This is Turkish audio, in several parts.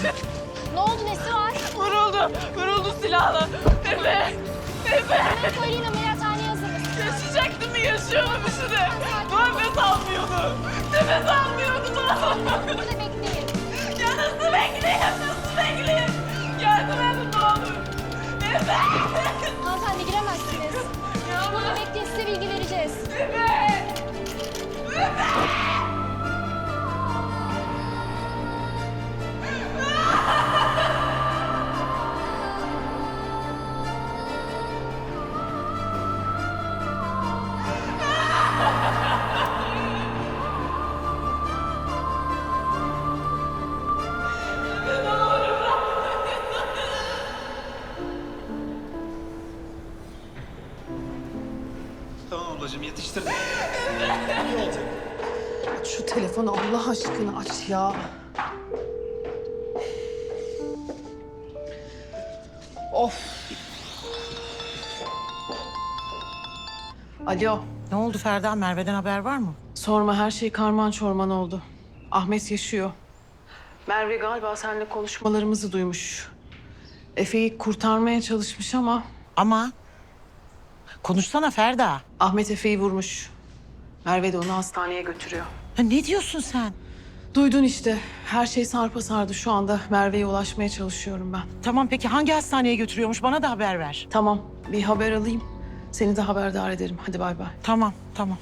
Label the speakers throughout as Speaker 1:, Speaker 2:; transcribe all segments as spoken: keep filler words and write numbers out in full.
Speaker 1: Ne oldu, nesi var?
Speaker 2: Vuruldu, vuruldu silahla. Efe, Efe.
Speaker 1: Hemen söyleyin, ameliyathaneye hazırız.
Speaker 2: Yaşayacaktı mı, yaşıyor mu şimdi? Nefes almıyordu. Nefes almıyordu.
Speaker 1: Burada bekleyin.
Speaker 2: Ya nasıl bekleyeyim, nasıl bekleyeyim? Yardım edin ne olur. Efe.
Speaker 1: Hanımefendi giremezsiniz. Burada bekleyin, size bilgi vereceğiz.
Speaker 2: Efe. Efe.
Speaker 3: Tamam ablacığım yetiştirdim. İyi olacak.
Speaker 4: Aç şu telefonu Allah aşkına aç ya. Of. Alo.
Speaker 5: Ne oldu Ferda? Merve'den haber var mı?
Speaker 4: Sorma, her şey karman çorman oldu. Ahmet yaşıyor. Merve galiba seninle konuşmalarımızı duymuş. Efe'yi kurtarmaya çalışmış ama
Speaker 5: Ama konuşsana Ferda.
Speaker 4: Ahmet Efe'yi vurmuş. Merve de onu hastaneye götürüyor.
Speaker 5: Ha, ne diyorsun sen?
Speaker 4: Duydun işte. Her şey sarpa sardı şu anda. Merve'ye ulaşmaya çalışıyorum ben.
Speaker 5: Tamam peki hangi hastaneye götürüyormuş? Bana da haber ver.
Speaker 4: Tamam, bir haber alayım. Seni de haberdar ederim. Hadi bay bay.
Speaker 5: Tamam, tamam.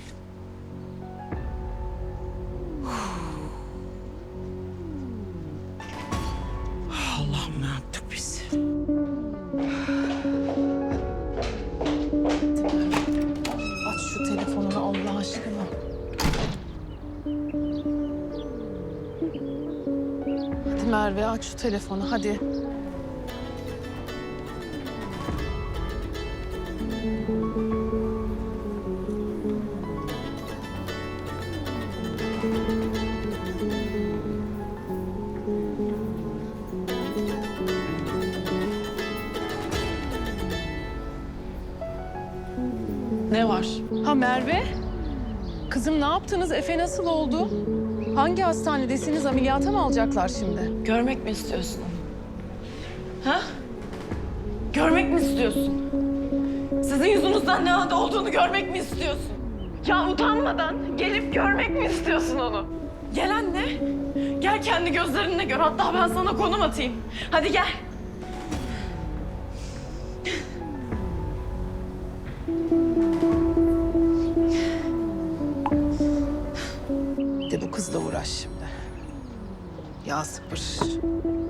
Speaker 5: Allah'ım ne yaptık biz?
Speaker 4: Aç şu telefonunu Allah aşkına. Hadi Merve aç şu telefonu hadi. Ne var? Ha Merve? Kızım ne yaptınız? Efe nasıl oldu? Hangi hastanedesiniz? Ameliyata mı alacaklar şimdi?
Speaker 2: Görmek mi istiyorsun? Ha? Görmek mi istiyorsun? Sizin yüzünüzden ne halde olduğunu görmek mi istiyorsun? Ya utanmadan gelip görmek mi istiyorsun onu? Gel anne. Gel kendi gözlerinle gör. Hatta ben sana konum atayım. Hadi gel.
Speaker 4: De bu kızla uğraş şimdi. Ya sabır.